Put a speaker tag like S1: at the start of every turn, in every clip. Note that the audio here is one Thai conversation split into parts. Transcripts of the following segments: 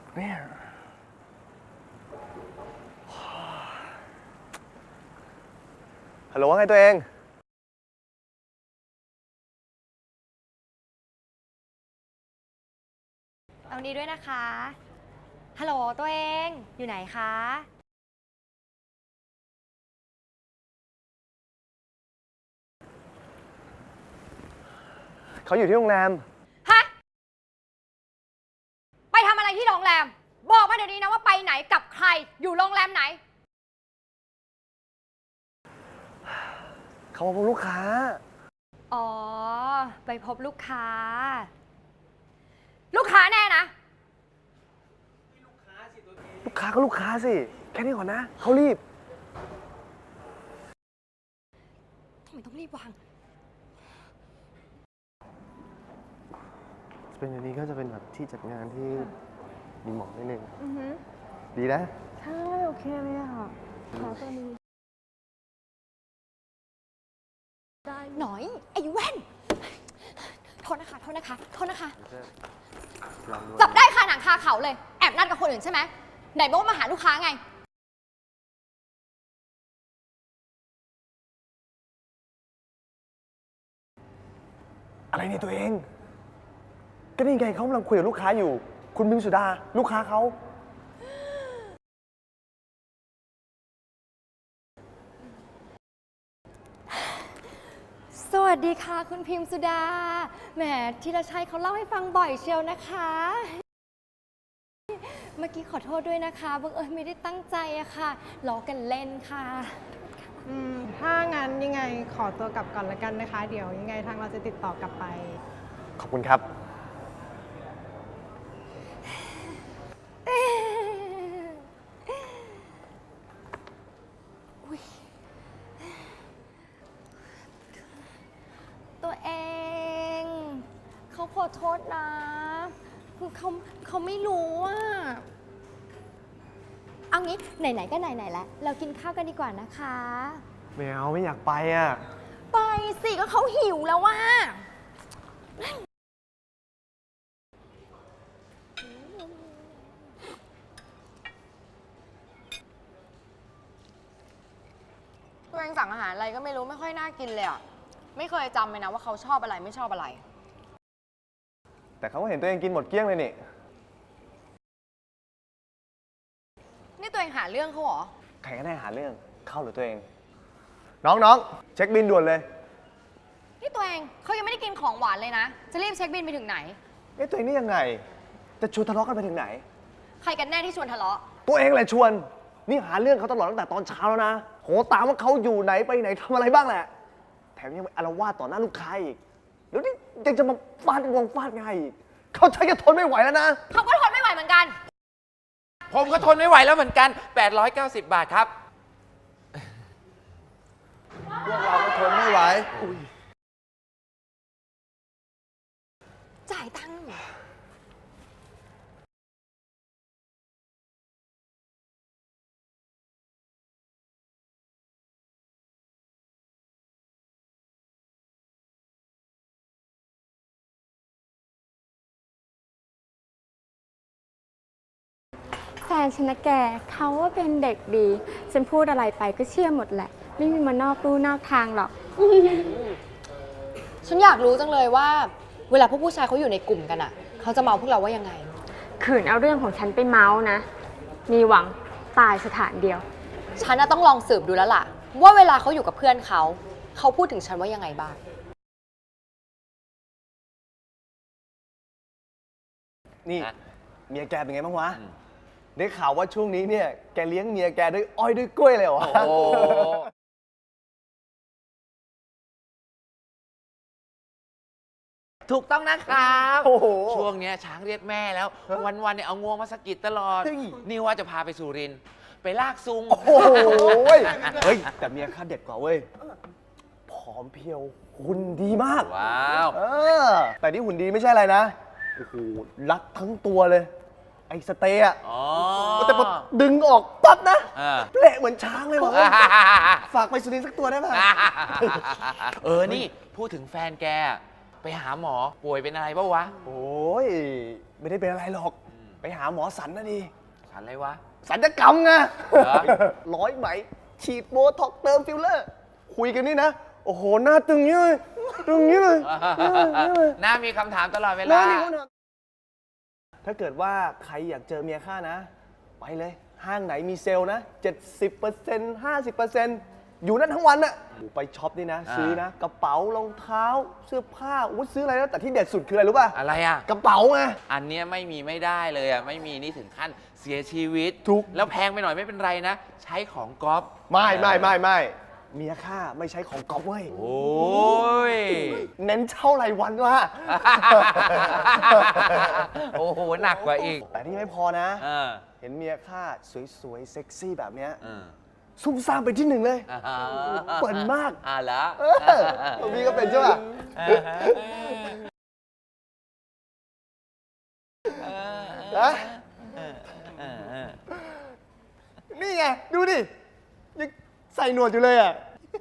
S1: เนี่ยฮัลโหลว่าไงตัวเอง
S2: เอานี้ด้วยนะคะ ฮัลโหลตัวเองอยู่ไหนคะ
S1: เขาอยู่ที่โรงแรม
S2: ฮะ ไปทำอะไรที่โรงแรม บอกมาเดี๋ยวนี้นะว่าไปไหนกับใคร อยู่โรงแรมไหน
S1: เขามาพบลูกค้า
S2: อ๋อ ไปพบลูกค้า ลูกค้าแน่นะ
S1: ลูกค้าก็ลูกค้าสิ แค่นี้ก่อนนะ เขารีบ
S2: ทำไมต้องรีบวาง
S1: เป็นอย่างนี้ก็จะเป็นแบบที่จัดงานที่มีหมอกนิดนึงดีนะ
S3: ใช่ โอเคเลยอ่ะขอตัวนี้ได้
S2: หน่อย ไอ้แว่น โทษนะคะ โทษนะคะ โทษนะคะ จับได้คาหนังคาเขาเลย แอบนัดกับคนอื่นใช่ไหม ไหนบอกว่ามาหาลูกค้าไง
S1: อะไรเนี่ยตัวเอง ก็นี่ไงเขากำลังคุยกับลูกค้าอยู่ คุณบิมสุดา ลูกค้าเขา
S2: สวัสดีค่ะคุณพิมพ์สุดา แหมธีรชัยเขาเล่าให้ฟังบ่อยเชียวนะคะ เมื่อกี้ขอโทษด้วยนะคะบังเอิญไม่ได้ตั้งใจอะค่ะล้อกันเล่นค่ะ
S3: ถ้างั้นยังไงขอตัวกลับก่อนละกันนะคะ เดี๋ยวยังไงทางเราจะติดต่อกลับไป
S1: ขอบคุณครับ
S2: ตัวเองเขาขอโทษนะคือเขาไม่รู้อะเอางี้ไหนๆก็ไหนๆแล้วเรากินข้าวกันดีกว่านะคะ
S1: ไม่เอาไม่อยากไปอ่ะ
S2: ไปสิก็เขาหิวแล้วว่าตัวเองสั่งอาหารอะไรก็ไม่รู้ไม่ค่อยน่ากินเลยอ่ะไม่เคยจำเลยนะว่าเขาชอบอะไรไม่ชอบอะไร
S1: แต่เขาก็เห็นตัวเองกินหมดเกลี้ยงเลยนี่
S2: นี่ตัวเองหาเรื่องเขาเหรอ
S1: ใครก็ได้หาเรื่องเข้าหรือตัวเอง น้องเช็คบินด่วนเลย
S2: นี่ตัวเองเขายังไม่ได้กินของหวานเลยนะ จะรีบเช็คบินไปถึงไหน
S1: ตัวเองนี่ยังไง จะชวนทะเลาะกันไปถึงไหน
S2: ใครกันแน่ที่ชวนทะเลาะ
S1: ตัวเองแหละชวน นี่หาเรื่องเขาตลอดตั้งแต่ตอนเช้าแล้วนะ โหตามว่าเขาอยู่ไหนไปไหนทำอะไรบ้างแหละ แถมยังไปอาละวาดต่อหน้าลูกค้าอีก แล้วนี่ยังจะมาฟาดงวงฟาดไงอีกเขาใช้จะทนไม่ไหวแล้วนะ
S2: เขาก็ทนไม่ไหวเหมือนกัน
S4: ผมก็ทนไม่ไหวแล้วเหมือนกัน 890 บาทครับ
S1: พวกเราก็ทนไม่ไหว
S2: จ่ายตังค์
S5: แฟนฉันนะแกเขาว่าเป็นเด็กดี ฉันพูดอะไรไปก็เชื่อหมดแหละ ไม่มีมานอกลู่นอกทางหรอก
S2: ฉันอยากรู้จังเลยว่า เวลาพวกผู้ชายเขาอยู่ในกลุ่มกันอ่ะ เขาจะเมาพวกเราว่ายังไง
S5: ขืนเอาเรื่องของฉันไปเมาส์นะ มีหวังตายสถานเดียว
S2: ฉันน่ะต้องลองสืบดูแล้วล่ะ ว่าเวลาเขาอยู่กับเพื่อนเขาพูดถึงฉันว่ายังไงบ้าง
S1: นี่เมียแกเป็นไงบ้างวะ ได้ข่าวว่าช่วงนี้เนี่ยแกเลี้ยงเมียแกด้วยอ้อยด้วยกล้วยเลยเหรอ
S4: โอ้ ถูกต้องนะครับ
S1: โอ้โห
S4: ช่วงเนี้ยช้างเรียกแม่แล้ว วันๆเนี่ยเอางวงมาสะกิดตลอด
S1: เฮ้ย
S4: นี่ว่าจะพาไปสุรินทร์ไปลากซุง
S1: โอ้โหเฮ้ย แต่เมียข้าเด็ดกว่าเว้ย ผอมเพรียวหุ่นดีมาก
S4: ว้าว
S1: แต่ที่หุ่นดีไม่ใช่อะไรนะ โอ้โห รัดทั้งตัวเลย ไอ้สเตย์อะ
S4: อ๋อ
S1: แต่พอดึงออกปั๊บนะ
S4: อ่า
S1: เละเหมือนช้างเลยว่ะฝากไปสุรินทร์สักตัวได้ไหม
S4: นี่พูดถึงแฟนแก ไปหาหมอป่วยเป็นอะไรปะวะ
S1: โอ้ย ไม่ได้เป็นอะไรหรอกไปหาหมอสันนะดิ
S4: สันอะไรวะ
S1: สัญญกรรมไง
S4: เหรอ
S1: ร้อยไหม ฉีดโบท็อกซ์เติมฟิลเลอร์ คุยกันนี่นะ โอ้โห หน้าตึงเงี้ยเลยตึงเงี้ยเลย
S4: หน้ามีคำถามตลอดเว
S1: หน้า
S4: ลา
S1: นี่เขาเนี่ยถ้าเกิดว่าใครอยากเจอเมียข้านะ ไปเลย ห้างไหนมีเซลล์นะ 70% 50%อยู่นั่นทั้งวันน่ะไปช็อปนี่นะ ซื้อนะ กระเป๋ารองเท้า เสื้อผ้าอุ้ยซื้ออะไรแล้วแต่ที่เด็ดสุดคืออะไรรู้ป่ะ
S4: อะไรอ่ะ
S1: กระเป๋าไง
S4: อันเนี้ยไม่มีไม่ได้เลยอ่ะ ไม่มีนี่ถึงขั้นเสียชีวิต
S1: ถูก
S4: แล้วแพงไปหน่อยไม่เป็นไรนะ ใช้ของก๊อฟ
S1: ไม่เมียข้าไม่ใช้ของก๊อฟเว้ย
S4: โอ้ย
S1: เน้นเช่ารายวันว่ะ
S4: โอ้โห หนักกว่าอีก
S1: แต่นี่ไม่พอนะ
S4: เออ
S1: เห็นเมียข้าสวยๆ เซ็กซี่แบบเนี้ย
S4: เออ
S1: ซุ่มซ่ามเป็นที่หนึ่งเลย เปิดมาก
S4: เหรอ
S1: พี่ก็เป็นใช่ป่ะนะนี่ไง ดูดิ ยังใส่หนวดอยู่เลยอ่ะ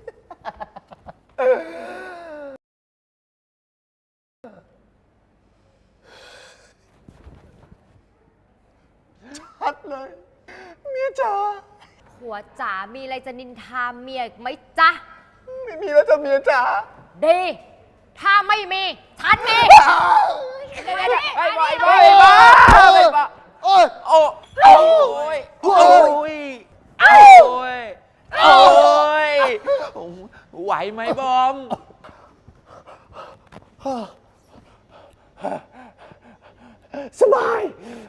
S1: ชัดเลย เมียจ๋า
S2: หัวจ๋ามีอะไรจะนินทาเมียอีกไหมจ๊ะ
S1: ไม่มีแล้วจ้ะเมียจ๋า
S2: ดี ถ้าไม่มี ฉันมี
S4: ไอ้บอยโอ้ยโอ้ยโอ้ยโอ้ยโอ้ยไหวไหมบอม
S1: สบาย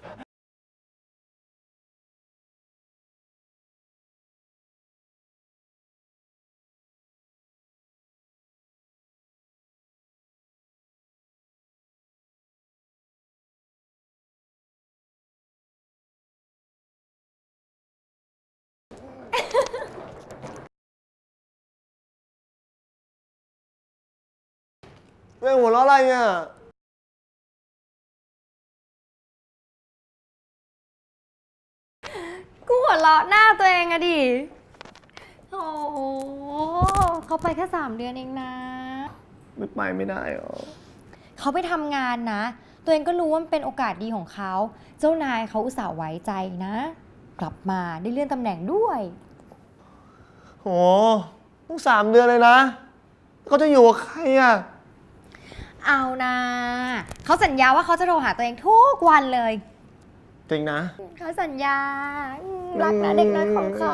S1: เรื่องหัวเราะอะไรเนี่ย
S2: กูหัวเราะหน้าตัวเองอะดิ โอ้โหเขาไปแค่3 เดือนเองนะ
S1: ไม่ไปไม่ได้หรอ
S2: เขาไปทำงานนะ ตัวเองก็รู้ว่ามันเป็นโอกาสดีของเขา เจ้านายเขาอุตส่าห์ไว้ใจนะ กลับมาได้เลื่อนตำแหน่งด้วย
S1: โหต้อง3 เดือนเลยนะเขาจะอยู่กับใครอ่ะ
S2: เอานะเขาสัญญาว่าเขาจะโทรหาตัวเองทุกวันเลย
S1: จริงนะ
S2: เขาสัญญารักนะเด็กน้อยของเขา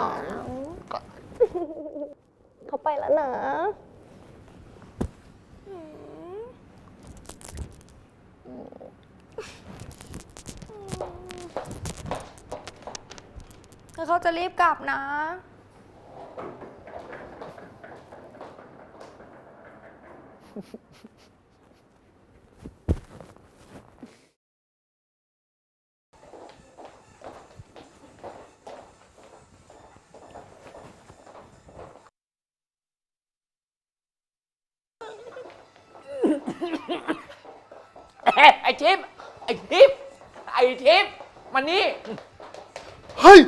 S2: เขาไปแล้วนะแล้วเขาจะรีบกลับนะ
S4: ไอ้ทิพย์ไอ้ทิพย์ไอ้ทิพย์มานี่
S1: เฮ้ย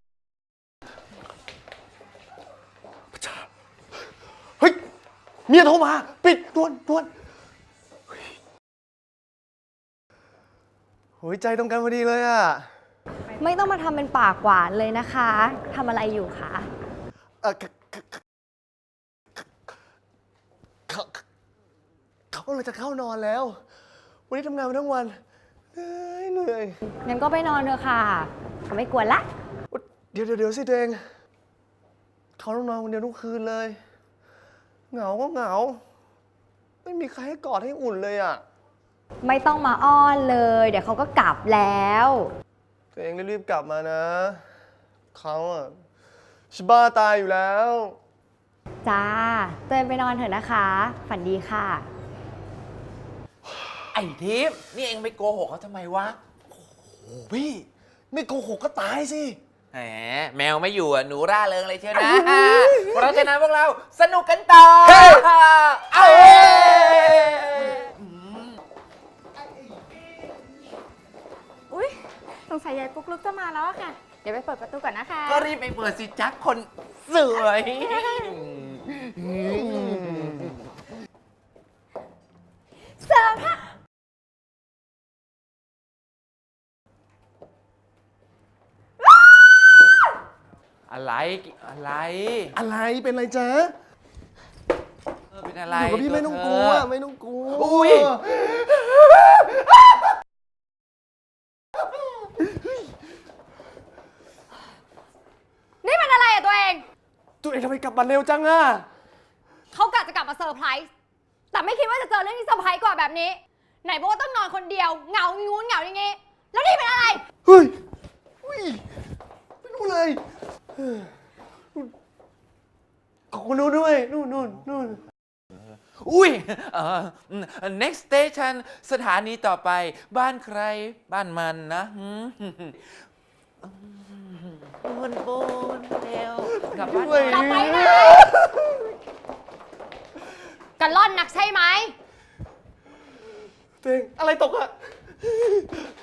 S1: เฮ้ย เมียโทรมา ปิดด่วนโหยใจตรงกันพอดีเลยอ่ะ
S2: ไม่ต้องมาทำเป็นปากหวานเลยนะคะทำอะไรอยู่คะ
S1: เขาเลยจะเข้านอนแล้ว วันนี้ทำงานมาทั้งวัน เหนื่อย
S2: งั้นก็ไปนอนเถอะค่ะเขาไม่กวนละ
S1: เดี๋ยวสิตัวเองเขาต้องนอนคนเดียวทุกคืนเลย เหงาก็เหงา ไม่มีใครให้กอดให้อุ่นเลยอ่ะ
S2: ไม่ต้องมาอ้อนเลย เดี๋ยวเขาก็กลับแล้ว
S1: ตัวเองรีบๆกลับมานะ เขาอ่ะชิบ้าตายอยู่แล้ว
S2: จ้าเตือนไปนอนเถอะนะคะ ฝันดีค่ะ
S4: ไอ้ทิพย์นี่เองไปโกหกเขาทำไมวะ
S1: โอ้พี่ ไม่โกหกก็ตายสิ
S4: แหมแมวไม่อยู่อ่ะ หนูร่าเริงเลยเชียวนะ เพราะฉะนั้นพวกเราสนุกกันต่อ
S1: เฮ้ย
S4: เอ้ย
S5: อุ๊ยสงสัยยายปุ๊กลุกจะมาแล้วอะค่ะ เดี๋ยวไปเปิดประตูก่อนนะคะ
S4: ก็รีบไปเปิดสิจ๊ะคนสวย
S2: เสิร์ฟค่ะ
S4: อะไร
S1: อะไรเป็นไรจ๊ะ
S4: เป็นอะไร
S1: อยู่กับพี่ไม่ต้องกลัว
S4: ตัวเธ
S1: ไม่ต้องกลัว
S4: อุ้ย
S2: นี่มันอะไรอะตัวเอง
S1: ตัวเองทำไมกลับมาเร็วจังอะ
S2: เขากะจะกลับมาเซอร์ไพรส์แต่ไม่คิดว่าจะเจอเรื่องที่เซอร์ไพรส์กว่าแบบนี้ ไหนบอกว่าต้องนอนคนเดียวเหงางูนเหงาอย่างงี้ แล้วนี่เป็นอะไร
S1: เฮ้ยอุ้ยไม่รู้เลยขอบคุณนู้นด้วยนู่น
S4: อุ้ยnext station สถานีต่อไป บ้านใคร บ้านมันนะปูนเร็วกลับบ้าน
S1: ด้วย
S2: กลับไปไหน กันล่อนนักใช่ไหม
S1: ตัวเองอะไรตกอะ